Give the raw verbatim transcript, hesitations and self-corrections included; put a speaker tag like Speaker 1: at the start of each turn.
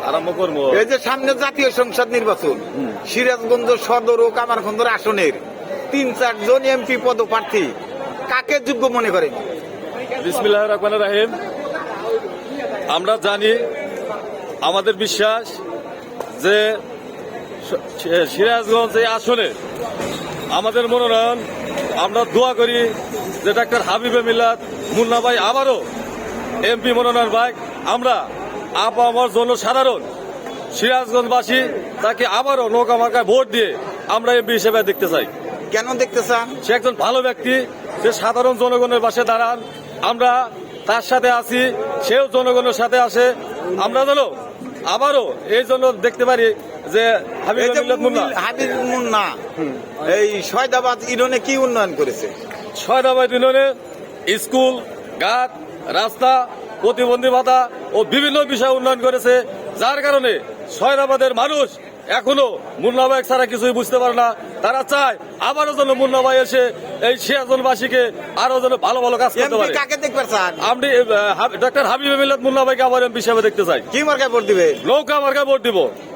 Speaker 1: আরম্ভ করবো।
Speaker 2: এই যে সামনে জাতীয় সংসদ নির্বাচন, সিরাজগঞ্জ সদর ও কামারখন্দর আসনের তিন চারজন এমপি পদপ্রার্থী কাকে যোগ্য মনে করেন?
Speaker 1: বিসমিল্লাহির রহমানির রহিম। আমরা জানি, আমাদের বিশ্বাস যে সিরাজগঞ্জ এই আসনে আমাদের মনোনয়ন, আমরা দোয়া করি যে ডাক্তার হাবিবে মিল্লাত মুন্না ভাই আবারও এমপি মনোনয়ন পাই। আমরা আপ আমার জন্য সাধারণ সিরাজগঞ্জবাসী তাকে আবারও নৌকা মার্কায় ভোট দিয়ে আমরা এমপি হিসেবে দেখতে চাই।
Speaker 2: কেন দেখতে চান?
Speaker 1: সে একজন ভালো ব্যক্তি, সে সাধারণ জনগণের পাশে দাঁড়ান, আমরা তার সাথে আছি, সেও জনগণের সাথে আসে। আমরা যেন আবারও এই জন্য দেখতে পারি যে হাবিব মুন্না
Speaker 2: হাবিব মুন্না এই শয়দাবাদ ইউনিয়নে কি উন্নয়ন করেছে?
Speaker 1: ছয়দাবাদ ইউনিয়নে স্কুল, ঘাট, রাস্তা, প্রতিবন্ধী ভাতা ও বিভিন্ন বিষয় উন্নয়ন করেছে, যার কারণে ছয়দাবাদের মানুষ এখনো মুন্না ভাই ছাড়া কিছুই বুঝতে পারে না। তারা চায় আবারও যেন মুন্না ভাই এসে এই সিরাজগঞ্জবাসীকে আরো যেন ভালো ভালো কাজ করতে পারে।
Speaker 2: কাকে দেখতে চান?
Speaker 1: আপনি ডক্টর হাবিব মিল্লাত মুন্না ভাইকে আবার এমপি হিসেবে দেখতে চাই।
Speaker 2: কি মার্কায় ভোট দিবে?
Speaker 1: নৌকা মার্কায় ভোট দিব।